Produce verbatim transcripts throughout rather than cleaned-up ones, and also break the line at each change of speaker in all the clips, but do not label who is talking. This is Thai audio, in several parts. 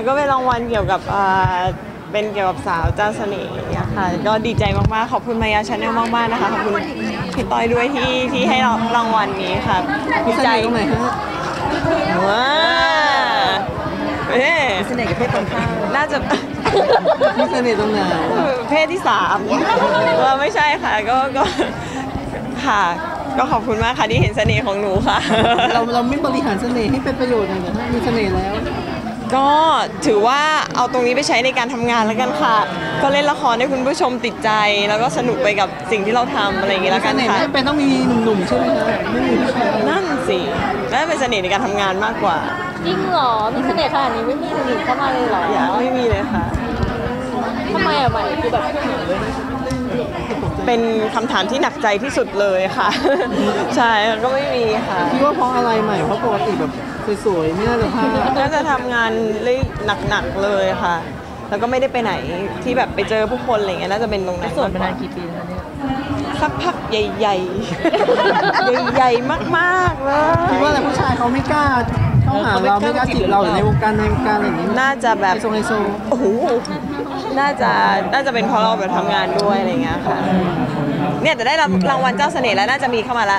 ก็เป็นรางวัลเกี่ยวกับเป็นเกี่ยวกับสาวเจ้าเสน่ห์เนี่ยค่ะก็ดีใจมากๆขอบคุณมายาชาแนลมากๆนะคะขอบคุณพี่ต้อยด้วยที่ที่ให้รางวัลนี้ค่ะดีใจตรงไหนฮะว้าเอ๊ะเสน่ห์กับเพศตรงข้ามน่าจะมีเสน่ห์ตรงไหนเพศที่สามว่าไม่ใช่ค่ะก็ก็ค่ะก็ขอบคุณมากค่ะที่เห็นเสน่ห์ของหนูค่ะเราเราไม่บริหารเสน่ห์ให้เป็นประโยชน์เลยนะมีเสน่ห์แล้วก็ถือว่าเอาตรงนี้ไปใช้ในการทำงานแล้วกันค่ะก็เล่นละครให้คุณผู้ชมติดใจแล้วก็สนุกไปกับสิ่งที่เราทำอะไรอย่างเงี้ยแล้วกันค่ะไม่เป็นต้องมีหนุ่มๆใช่ไหมคะไม่มีผู้ชายนั่นสิน่าเป็นเสน่ห์ในการทำงานมากกว่า
จริงเหรอมีเสน่ห์ขนาดนี้ไม่มีหนุ่มเข้ามาเลยเหรอ
อย่าไม่มีเลยค่ะ
ทำไมอะใหม่คือแบบ
เป็นคำถามที่หนักใจที่สุดเลยค่ะใช่ก็ไม่มีค่ะคิดว่าเพราะอะไรใหม่เพราะปกติแบบสวยๆไม่น่าจะพลาดน่าจะทำงานเลยหนักๆเลยค่ะแล้วก็ไม่ได้ไปไหนที่แบบไปเจอผู้คนอะไรเงี้ยน่าจะเป็นตรงนั้น
ส่วนมานานกี่ปีแล้วเนี่ย
สักพักใหญ่ๆใหญ่ๆมากๆเลยคิดว่าแต่ผู้ชายเขาไม่กล้าเข้าหาเราไม่กล้าจีบเราหรือในวงการในวงการอะไรอย่างนี้น่าจะแบบไฮโซไฮโซโอ้โหน่าจะน่าจะเป็นเพราะเราแบบทำงานด้วยอะไรเงี้ยค่ะเนี่ยจะได้รางวัลเจ้าเสน่ห์แล้วน่าจะมีเข้ามาละ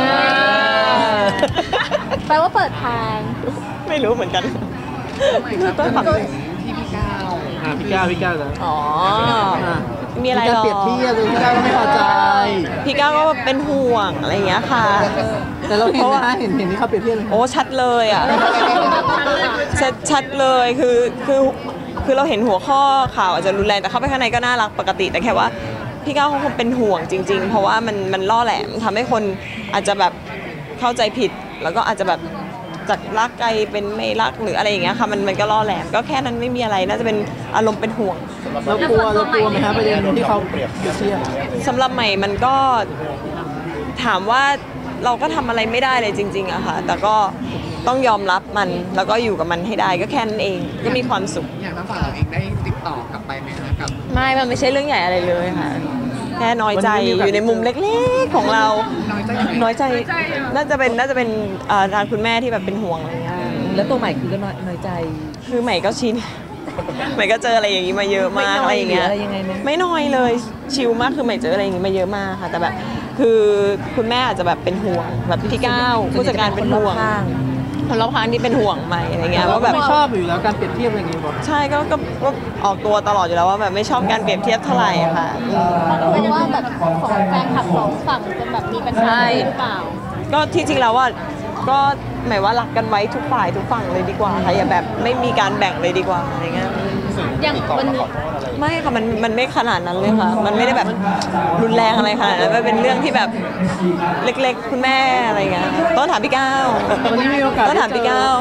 แปลว่าเปิดทาง
ไม่รู้เหมือนกัน
ต้นฝังที่พี่ก้าวพี่ก้าวพี่ก้าวแล้ว
อ๋อมีอะไรหรอ
เปรียบเทียบพี่ก้าวก็ไม่พอใจ
พี่ก้าวก็เป็นห่วงอะไรอย่างเงี้ยค่ะ
แต่เราเห็นนะเห็นเห็นที่เขาเปรียบเทียบเลย
โอ้ชัดเลยอ่ะชัดชัดเลยคือคือคือเราเห็นหัวข้อข่าวอาจจะรุนแรงแต่เข้าไปข้างในก็น่ารักปกติแต่แค่ว่าพี่ก้าวเขาคงเป็นห่วงจริงๆเพราะว่ามันมันล่อแหลมทำให้คนอาจจะแบบเข้าใจผิดแล้วก็อาจจะแบบจากรักไกลเป็นไม่รักหรืออะไรอย่างเงี้ยค่ะมันมันก็ล่อแหลมก็แค่นั้นไม่มีอะไรน่าจะเป็นอารมณ์เป็นห่วง
เรากลัวเรากลัวไหมคะประเด็นที่เขาเปรียบเทียบ
สำหรับใหม่มันก็ถามว่าเราก็ทำอะไรไม่ได้เลยจริงๆอะค่ะแต่ก็ต้องยอมรับมันแล้วก็อยู่กับมันให้ได้ก็แค่นั้นเองก็มีความสุข
อย่างน้ำฝาเราเองได้ติดต่อกลับไปไหมคะกับ
ไม่มันไม่ใช่เรื่องใหญ่อะไรเลยค่ะแค่น้อยใจอยู่ในมุมเล็กๆของเราน้อยใจน่าจะเป็นน่าจะเป็นทางคุณแม่ที่แบบเป็นห่วงอะไรเงี้ย
แล้วตัวใหม่คือก็น้อยใจ
คือใหม่ก็ชินใหม่ก็เจออะไรอย่างนี้มาเยอะมากอะไรอย่างเงี้ยไม่น้อยเลยชิลมากคือใหม่เจออะไรอย่างนี้มาเยอะมากค่ะแต่แบบคือคุณแม่อาจจะแบบเป็นห่วงแบบพี่ก้าวผู้จัดการเป็นห่วงคนรอบข้างที่เป็นห่วงใหม่อะไรเงี้ยว่าแบบ
ไม่ชอบอยู่แล้วการเปรียบเทียบอะไรอย่างเงี้ย
ใช่ก็ก็ออกตัวตลอดอยู่แล้วว่าแบบไม่ชอบการเปรียบเทียบเท่าไหร่ค่ะ
เพราะว่าแบบของแฟนคลับสองฝั่งจะแบบมีปัญหาหรือเปล่า
ก็ที่จริงแล้วว่าก็หมายว่ารักกันไว้ทุกฝ่ายทุกฝั่งเลยดีกว่าค่ะอย่าแบบไม่มีการแบ่งเลยดีกว่าอะไรเงี้ย
อย่างมัน
ไม่ค่ะมันมันไม่ขนาดนั้นเลยค่ะมันไม่ได้แบบรุนแรงอะไรขนาดนั้นมันเป็นเรื่องที่แบบเล็กๆคุณแม่อะไรเงี้ยต้องถามพี่ก้าวต้องถามพี่ก้าว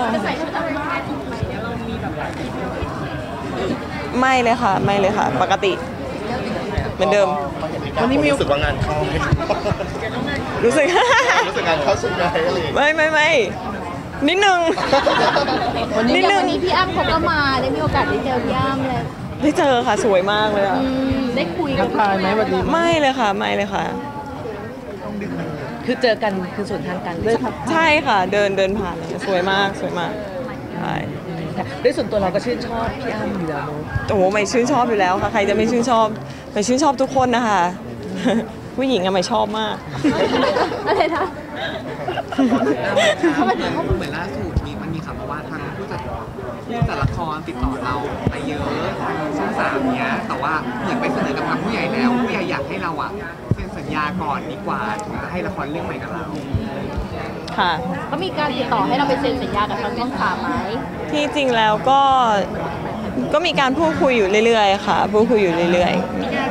ไม่เลยค่ะไม่เลยค่ะปกติเหมือนเดิม
วันนี้มีรู้สึกว่างานเข้าไหม
รู้สึก
รู้สึกงานเข้าสุดไหม
ไม่ไม่ไม่นิดนึง
นิดนึงวันนี้พี่อ้ำเขาก็มาได้มีโอกาสได้เจอพี่อ้ำเลย
ได้เจอค่ะสวยมากเลยอ่ะ
ได้คุย
กันทายไหมวันนี้
ไม่เลยค่ะไม่เลยค่ะ
คือเจอกันคือส่วนทางกัน
ใช่ค่ะเดินเดินผ่านเลยสวยมากสวยมากใช่
ด้วยส่วนตัวเราก็ชื่นชอบพี่อ้ำอยู่แล้ว
โอ้โหไม่ชื่นชอบอยู่แล้วค่ะใครจะไม่ชื่นชอบไม่ชื่นชอบทุกคนนะคะผู้หญิงอะไม่ชอบมาก
อะไรนะ
เหมือนล่าสุดมีมันมีข่าวมาว่าทางผู้จัดผู้จัดละครติดต่อเราไปเยอะทางช่องสามเนี้ยแต่ว่าเหมือนไปเสนอกับทางผู้ใหญ่แล้วผู้ใหญ่อยากให้เราอะเซ็นสัญญาก่อนดีกว่าถึงจะให้ละครเรื่องใหม่กับเรา
ค่ะ
ก็มีการติดต่อให้เราไปเซ็นสัญญากับทางช่องสามไหม
ที่จริงแล้วก็ก็มีการพูดคุยอยู่เรื่อยๆค่ะพูดคุยอยู่เรื่อยๆ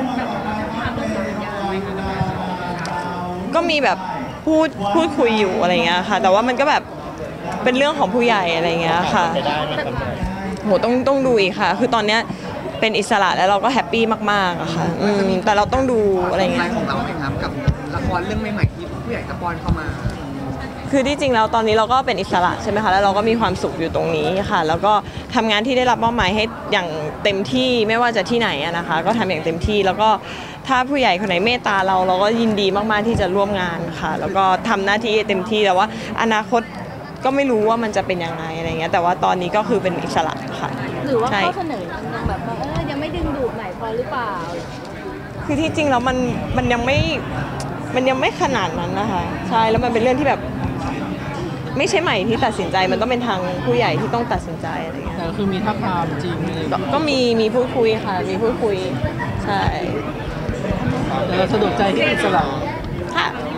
ก็มีแบบพูดพูดคุยอยู่อะไรเงี้ยค่ะแต่ว่ามันก็แบบเป็นเรื่องของผู้ใหญ่อะไรเงี้ยค่ะโหต้องต้องดูอีกค่ะคือตอนเนี้ยเป็นอิสระแล้วเราก็แฮปปี้มากๆอะค่ะแต่เราต้องดูอะไรเงี้ย
ของเราไหมครับกับละครเรื่องใหม่ๆที่ผู้ใหญ่จะป้อนเข้ามา
คือที่จริงแล้วตอนนี้เราก็เป็นอิสระใช่ไหมคะแล้วเราก็มีความสุขอยู่ตรงนี้ค่ะแล้วก็ทำงานที่ได้รับมอบหมายให้อย่างเต็มที่ไม่ว่าจะที่ไหนนะคะก็ทำอย่างเต็มที่แล้วก็ถ้าผู้ใหญ่คนไหนเมตตาเราเราก็ยินดีมากๆที่จะร่วมงานค่ะแล้วก็ทำหน้าที่เต็มที่แต่ว่าอนาคตก็ไม่รู้ว่ามันจะเป็นยังไงอะไรเงี้ยแต่ว่าตอนนี้ก็คือเป็นอิสระค่ะ
หรือว่า
ใช่
ข้อเสนอมันยังแบบว่าเออยังไม่ดึงดูดใหม่พอหรือเปล่า
คือที่จริงแล้วมันมันยังไม่มันยังไม่ขนาดนั้นนะคะใช่แล้วมันเป็นเรื่องที่แบบไม่ใช่ใหม่ที่ตัดสินใจมันต้องเป็นทางผู้ใหญ่ที่ต้องตัดสินใจอะไรเงี้ย
แต่ก็คือมีท่าทางจริงอะไรอย่าง
ก็
เงี้ย
ก็มีมีพูดคุยค่ะ มีพูดคุยใช่
แต่เราสะดวกใจที่อิสระ
ค่ะ